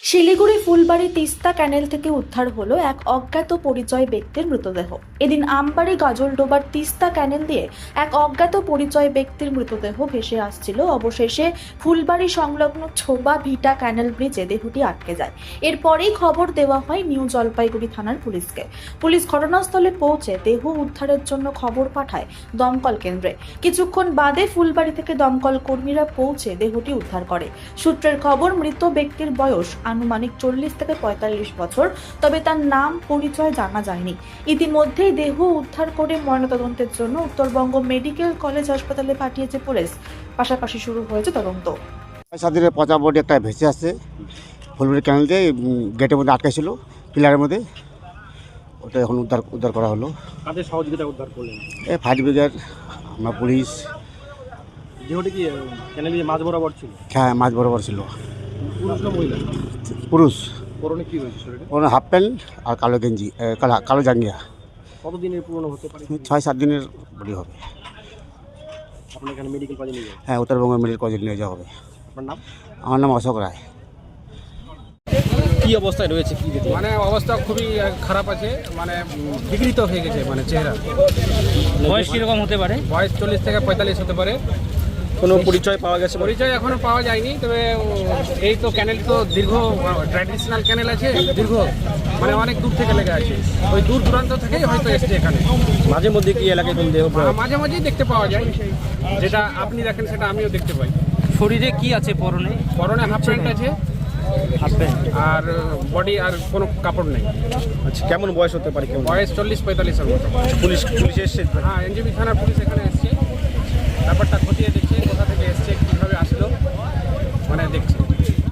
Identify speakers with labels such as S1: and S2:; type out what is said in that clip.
S1: শিলিগুড়ি ফুলবাড়ি তিস্তা ক্যানেল থেকে উদ্ধার হলো এক অজ্ঞাত পরিচয় ব্যক্তির মৃতদেহ। এদিন আমবাড়ি গাজলডোবার তিস্তা ক্যানেল দিয়ে এক অজ্ঞাত পরিচয় ব্যক্তির মৃতদেহ ভেসে আসছিল। অবশেষে ফুলবাড়ি সংলগ্ন ছোবা ভিটা ক্যানেল ব্রিজে দেহটি আটকে যায়। এরপরেই খবর দেওয়া হয় নিউ জলপাইগুড়ি থানার পুলিশকে। পুলিশ ঘটনাস্থলে পৌঁছে দেহ উদ্ধারের জন্য খবর পাঠায় দমকল কেন্দ্রে। কিছুক্ষণ বাদে ফুলবাড়ি থেকে দমকল কর্মীরা পৌঁছে দেহটি উদ্ধার করে। সূত্রের খবর, মৃত ব্যক্তির বয়স আনুমানিক 40 থেকে 45 বছর, তবে তার নাম পরিচয় জানা যায়নি। ইতিমধ্যেই দেহ উদ্ধার করে ময়নাতদন্তের জন্য উত্তরবঙ্গ মেডিকেল কলেজ হাসপাতালে পাঠিয়েছে পুলিশ। পাশাপাশি শুরু হয়েছে তদন্ত।
S2: 7 দিনের পচা বডি একটা ভেসে আসছে ফুলবাড়ি ক্যানেল দিয়ে, গেটের মধ্যে আটকে ছিল পিলারের মধ্যে। ওটা এখন উদ্ধার করা হলো।
S3: কাদের সহযোগিতা উদ্ধার করলেন?
S2: এই ফায়ার ব্রিগেড, আমরা পুলিশ।
S3: দেহটি কি ক্যানেল দিয়ে মাঝ বরাবর ছিল?
S2: হ্যাঁ, মাঝ বরাবর ছিল।
S3: পুরুষ না মহিলা?
S2: পুরুষ।
S3: পরনে কি হয়েছে শরীরে?
S2: ওর হাফ প্যান্ট আর কালো গেঞ্জি, কালো জাঙ্গিয়া।
S3: কতদিনের পুরনো হতে পারে?
S2: 6-7 দিনের বডি হবে।
S3: আপনার এখানে মেডিকেল কলেজে নিয়ে যাবেন?
S2: হ্যাঁ, উত্তরবঙ্গ মেডিকেল কলেজে নিয়ে যাওয়া হবে।
S3: আপনার নাম?
S2: আমার নাম অশোক রায়।
S3: কি অবস্থায় রয়েছে, কি দেখতে?
S4: মানে অবস্থা খুবই খারাপ আছে, মানে বিকৃত হয়ে গেছে, মানে চেহারা।
S3: বয়স কিরকম হতে পারে?
S4: বয়স 40 থেকে 45 হতে পারে।
S3: কোনো পরিচয় পাওয়া গেছে?
S4: পরিচয় এখনো পাওয়া যায়নি, তবে এই তো ক্যানেল তো দীর্ঘ ট্র্যাডিশনাল ক্যানেল আছে, দীর্ঘ মানে অনেক দূর থেকে লেগে আছে। ওই দূর দূরান্ত থেকেই হয়তো এসছে এখানে।
S3: মাঝে মধ্যে কি এলাকায় কোন দেহ
S4: মাঝে মাঝেই দেখতে পাওয়া যায়, যেটা আপনি দেখেন সেটা আমিও দেখতে পাই।
S3: শরীরে কি আছে? পরনে
S4: পরনে হাফ প্যান্ট আছে আর বডি আর কোনো কাপড় নেই।
S3: আচ্ছা, কেমন বয়স হতে পারে? কেমন
S4: বয়স 40-45 এর মতো।
S3: পুলিশ এসছে?
S4: হ্যাঁ, এনজিবি থানার পুলিশ এখানে এসছে, ব্যাপারটা খতিয়ে